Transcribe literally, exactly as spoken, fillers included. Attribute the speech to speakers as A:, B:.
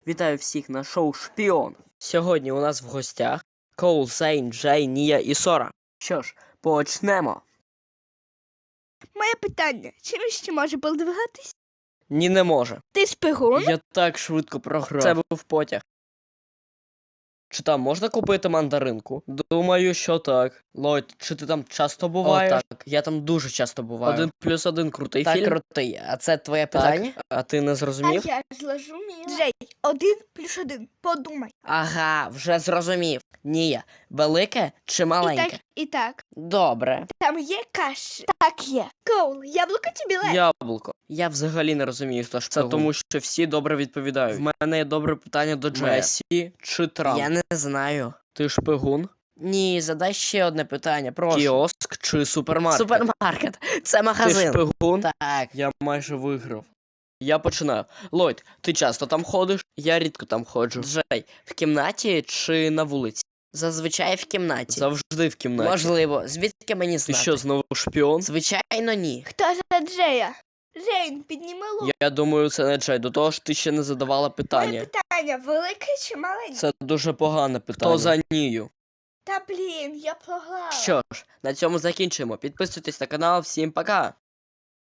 A: Вітаю всіх на шоу Шпіон. Сьогодні у нас в гостях Коул, Зейн, Джей, Нія і Сора. Що ж, почнемо.
B: Моє питання, чи він ще може передвигатись?
A: Ні, не може.
B: Ти шпигун?
A: Я так швидко програв. Це був потяг. Чи там можна купити мандаринку? Думаю, що так. Лойд, чи ти там часто буваєш? О, так, я там дуже часто буваю. Один плюс один крутий
C: Так,
A: фільм?
C: крутий. А це твоє питання?
A: Так, а ти не зрозумів?
B: А я ж зрозуміла. Джей, один плюс один, подумай.
C: Ага, вже зрозумів. Нія, велике чи
B: І
C: маленьке?
B: так, і так.
C: Добре.
B: Там є каші? Так є. Коул, яблуко чи білет?
A: Яблуко. Я взагалі не розумію, хто шпигун. Це тому, що всі добре відповідають. В мене є добре питання до Джея. Месі чи Трамп?
C: Я не знаю.
A: Ти шпигун?
C: Ні, задай ще одне питання, прошу.
A: Кіоск чи супермаркет?
C: Супермаркет. Це
A: Ти
C: магазин.
A: шпигун?
C: Так.
A: Я майже виграв. Я починаю. Лойд, ти часто там ходиш? Я рідко там ходжу. Джей, в кімнаті чи на вулиці?
C: Зазвичай в кімнаті.
A: Завжди в кімнаті.
C: Можливо. Звідки мені
A: Ти
C: знати?
A: що, знову шпіон?
C: Звичайно, ні.
B: Хто за Джея? Джейн, підніми лук.
A: Я думаю, це не Джей. До того ж, ти ще не задавала
B: Моє
A: питання.
B: питання, велике чи маленьке?
A: Це дуже погане питання. Хто за Нію?
B: Та блін, я програла.
A: Що ж, на цьому закінчимо. Підписуйтесь на канал. Всім пока!